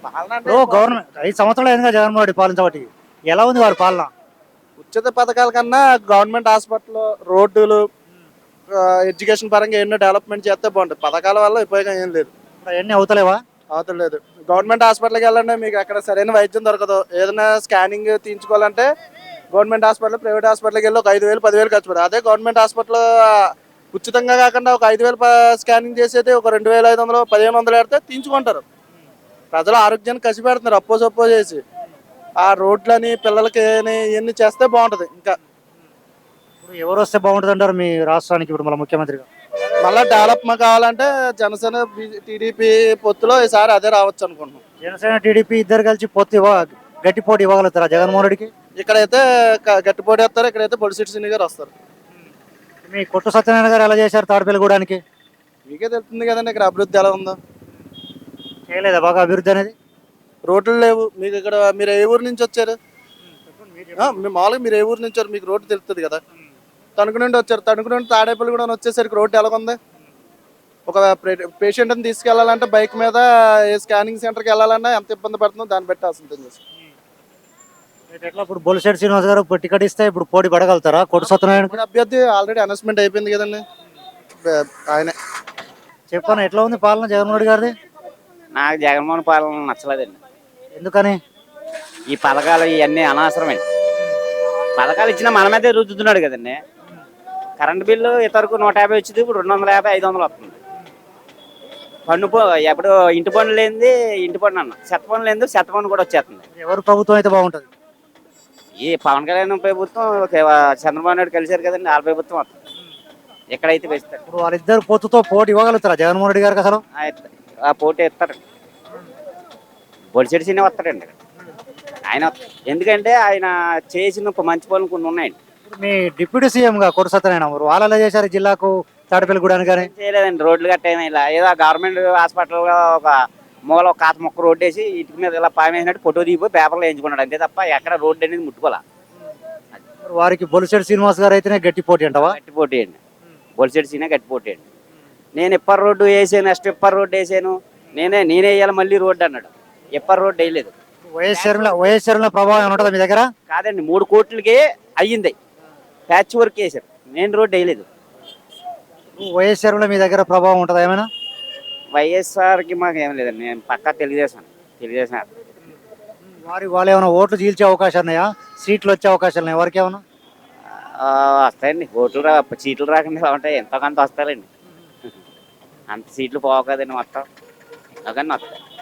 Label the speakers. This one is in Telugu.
Speaker 1: పాలన అంటే
Speaker 2: ఇప్పుడు గవర్నమెంట్ 5 సంవత్సరాలు అయిందిగా జగన్మోహన్ రెడ్డి పాలించబట్టి. ఎలా ఉంది వారి పాలన?
Speaker 1: ఉచిత పథకాల కన్నా గవర్నమెంట్ హాస్పిటల్, రోడ్డులు, ఎడ్యుకేషన్ పరంగా ఎన్నో డెవలప్మెంట్ చేస్తే బాగుంటుంది. పథకాల వల్ల ఉపయోగం ఏం లేదు.
Speaker 2: ఇప్పుడు అవన్నీ అవుతలేవా?
Speaker 1: అవతల లేదు. గవర్నమెంట్ హాస్పిటల్కి వెళ్ళండి, మీకు అక్కడ సరైన వైద్యం దొరకదు. ఏదైనా స్కానింగ్ తీయించుకోవాలంటే గవర్నమెంట్ హాస్పిటల్, ప్రైవేట్ హాస్పిటల్కి వెళ్ళి ఒక 5,000 10,000 ఖర్చు పెడతారు. అదే గవర్నమెంట్ హాస్పిటల్ ఉచితంగా కాకుండా ఒక 5,000 స్కానింగ్ చేసేది ఒక 2,500 1,500 పెడితే తీయించుకుంటారు. ప్రజల ఆరోగ్యాన్ని కసి పెడుతున్నారు అప్పో సప్పో చేసి. ఆ రోడ్లని పిల్లలకి ఇవన్నీ చేస్తే బాగుంటుంది. ఇంకా
Speaker 2: ఇప్పుడు ఎవరు వస్తే బాగుంటుంది అంటారు మీ రాష్ట్రానికి ఇప్పుడు మళ్ళీ ముఖ్యమంత్రిగా?
Speaker 1: మళ్ళీ డెవలప్ కావాలంటే జనసేన టీడీపీ పొత్తులో ఈసారి అదే రావచ్చు అనుకుంటున్నాం.
Speaker 2: జనసేన టీడీపీ ఇద్దరు కలిసి గట్టి పోటీ ఇవ్వగలుగుతారా జగన్మోహన్ రెడ్డికి?
Speaker 1: ఇక్కడైతే గట్టి పోటీ వస్తారు, ఇక్కడైతే బొలిశెట్టి శ్రీని గారు వస్తారు.
Speaker 2: మీ కొట్టు సత్యనారాయణ గారు ఎలా చేశారు తాడపల్లిగూడానికి?
Speaker 1: మీకే తెలుస్తుంది కదండి ఇక్కడ అభివృద్ధి ఎలా ఉందో.
Speaker 2: చేయలేదా బాగా అభివృద్ధి అనేది?
Speaker 1: రోడ్లు లేవు మీకు ఇక్కడ. మీరు ఏ ఊరు నుంచి వచ్చారు? మామూలుగా మీరు ఏ ఊరు నుంచి వచ్చారు? మీకు రోడ్డు తెలుస్తుంది కదా. తణుకు నుండి వచ్చారు, తణుకు నుండి తాడేపల్లి కూడా వచ్చేసరికి రోడ్డు ఎలాగుంది. ఒక పేషెంట్ని తీసుకెళ్లాలంటే బైక్ మీద ఏ స్కానింగ్ సెంటర్కి వెళ్ళాలన్నా ఎంత ఇబ్బంది పడుతుందో దాన్ని బట్టి అసలు
Speaker 2: ఎట్లా ఇప్పుడు బొలిశెట్టి శ్రీనివాస్ గారు టికెట్ ఇస్తే ఇప్పుడు పోటీ పడగలుగుతారా కొట్టు సత్యనారాయణ?
Speaker 1: అభ్యర్థి ఆల్రెడీ అనౌన్స్మెంట్ అయిపోయింది కదండి, ఆయనే.
Speaker 2: చెప్పాను ఎట్లా ఉంది పాలన జగన్మోహన్ రెడ్డి గారిది?
Speaker 3: నాకు జగన్మోహన్ పాలన నచ్చలేదండి.
Speaker 2: ఎందుకని?
Speaker 3: ఈ పథకాలు ఇవన్నీ అనవసరమే. పథకాలు ఇచ్చినా మన మీదే రుద్దుతున్నాడు కదండి. కరెంట్ బిల్లు ఇతరకు 150 వచ్చింది, ఇప్పుడు 250 500 వస్తుంది. ఎప్పుడు ఇంటి పన్ను లేనిది ఇంటి పన్ను అన్న, చెత్త పన్ను లేనిది చెత్త పన్ను కూడా వచ్చేస్తుంది.
Speaker 2: ఎవరు ప్రభుత్వం అయితే బాగుంటుంది?
Speaker 3: ఈ పవన్ కళ్యాణ్ ప్రభుత్వం, చంద్రబాబు నాయుడు కలిశారు కదండి, వాళ్ళ ప్రభుత్వం వస్తుంది. ఎక్కడైతే వేస్తారు.
Speaker 2: ఇప్పుడు వాళ్ళిద్దరు పొత్తుతో పోటీ ఇవ్వగలుగుతారా జగన్మోహన్ రెడ్డి గారికి అసలు?
Speaker 3: ఆ పోటీ ఇస్తారండి. బొలిశెట్టి శ్రీని వస్తాడండి ఆయన. ఎందుకంటే ఆయన చేసిన మంచి పనులు కొన్ని ఉన్నాయండి.
Speaker 2: మీ డిప్యూటీ సీఎం గా కొట్టు సత్యనారాయణ వాళ్ళు ఎలా చేశారు జిల్లాకు తాడపల్లిగూడానికి? కానీ
Speaker 3: చేయలేదండి. రోడ్లు కట్టయినా ఇలా ఏదో గవర్నమెంట్ హాస్పిటల్ ఒక మూల ఒక కాత మొక్క రోడ్డు వేసి ఇంటి మీద ఇలా పామేసినట్టు ఫోటో దిగిపోయి పేపర్లో వేయించుకున్నాడు అంతే తప్ప ఎక్కడ రోడ్డు అనేది ముట్టుకోలే.
Speaker 2: వారికి బొలిశెట్టి శ్రీనివాస్ గారు అయితేనే గట్టి పోటీ అంటావా?
Speaker 3: గట్టి పోటీ అండి. బొలిశెట్టి శ్రీనే గట్టి పోటీ అండి. నేను ఇప్పర్ రోడ్డు వేసాను, నెక్స్ట్ ఇప్పర్ రోడ్డు వేసాను, నేనే వేయాలి మళ్ళీ రోడ్డు అన్నాడు. ఇప్పర్ రోడ్డు వేయలేదు.
Speaker 2: వైఎస్ షర్మిల ప్రభావం ఉంటుందా మీ దగ్గర?
Speaker 3: కాదండి, 3 కోట్లకి అయ్యింది, ప్యాచ్ వర్క్ వేసారు, మెయిన్ రోడ్డు వేయలేదు.
Speaker 2: వైఎస్ షర్మిల మీ దగ్గర ప్రభావం ఉంటుందా ఏమైనా?
Speaker 3: వైఎస్ఆర్కి మాకు ఏం లేదండి, నేను పక్కా తెలుగుదేశం.
Speaker 2: వాళ్ళు ఏమైనా ఓట్లు చీల్చే అవకాశాలు ఉన్నాయా? సీట్లు వచ్చే అవకాశాలు ఉన్నాయి వారికి ఏమైనా?
Speaker 3: వస్తాయండి. ఓట్లు సీట్లు రాకుండా ఎలా ఉంటాయి, ఎంతో కొంత వస్తాయండి. అంత సీట్లు పోవు కదండి మొత్తం, ఎంతో కానీ వస్తాయి.